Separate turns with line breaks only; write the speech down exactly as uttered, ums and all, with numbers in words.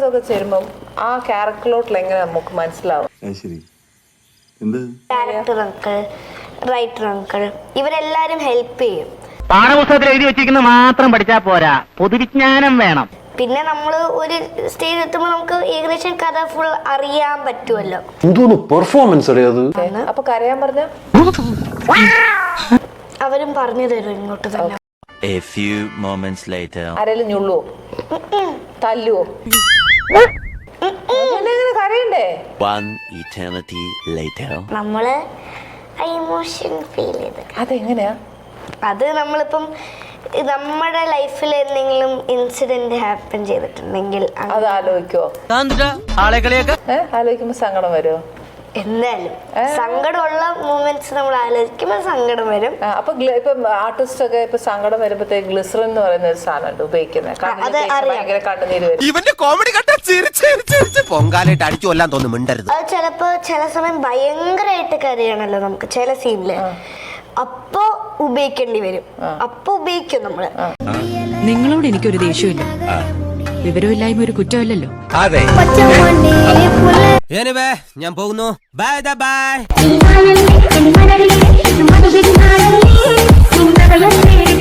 ഒക്കെ ചേരുമ്പം ആ ക്യാരക്ടറിലോട്ടിൽ എങ്ങനെ നമുക്ക് മനസ്സിലാവും?
ഡയറക്ടർ അങ്കിൾ, റൈറ്റർ അങ്കിൾ, ഇവരെല്ലാരും ഹെൽപ്പ് ചെയ്യും.
പാഠപുസ്തകത്തിൽ എഴുതി വെച്ചിരിക്കുന്ന മാത്രം പഠിച്ചാൽ പോരാ, പൊതുവിജ്ഞാനം വേണം.
പിന്നെ നമ്മൾ ഒരു സ്റ്റേജ് എത്തുമ്പോൾ നമുക്ക് ഏകദേശം കഥ ഫുൾ അറിയാൻ പറ്റുമല്ലോ.
പെർഫോമൻസ്
അപ്പൊ കരയാൻ പറഞ്ഞ
അവരും പറഞ്ഞു തരും ഇങ്ങോട്ട് തന്നെ.
A few moments later.
ആരെങ്കിലും ഞുള്ളുവോ, തല്ലുവോ? കരയണ്ടേ?
One eternity later.
നമ്മള് ഇമോഷൻ ഫീൽ ചെയ്ത്
അതെങ്ങനെയാ?
അത് നമ്മളിപ്പം നമ്മുടെ ലൈഫിൽ എന്തെങ്കിലും ഇൻസിഡന്റ് ഹാപ്പൻ ചെയ്തിട്ടുണ്ടെങ്കിൽ
അത് ആലോചിക്കുവോ? ഏഹ് ആലോചിക്കുമ്പോ സങ്കടം വരുമോ?
എന്തായാലും സങ്കടമുള്ള മൂമെന്റ്സ് നമ്മൾ ആലോചിക്കുമ്പോൾ സങ്കടം വരും.
അപ്പൊ ഇപ്പൊ ആർട്ടിസ്റ്റ് ഒക്കെ ഇപ്പൊ സങ്കടം വരുമ്പോഴത്തേക്ക് ഗ്ലിസറിൻ എന്ന് പറയുന്ന ഒരു സാധനം ഉപയോഗിക്കുന്നത് ഭയങ്കര കണ്ണുനീര് വരും.
ഇവന്റെ കോമഡി പൊങ്കാലായിട്ട് അടിച്ചു കൊല്ലാൻ തോന്നുന്നു, മിണ്ടരുത്.
അത് ചിലപ്പോ ചില സമയം ഭയങ്കരമായിട്ട് കരയണല്ലോ നമുക്ക് ചില സീനില്, അപ്പൊ ഉപയോഗിക്കേണ്ടി വരും. അപ്പൊ ഉപയോഗിക്കും നമ്മള്.
നിങ്ങളോട് എനിക്കൊരു ദേഷ്യമില്ല, വിവരമില്ലായ്മ ഒരു കുറ്റമല്ലല്ലോ.
അതെ, ഞാൻ പോകുന്നു. Bye by.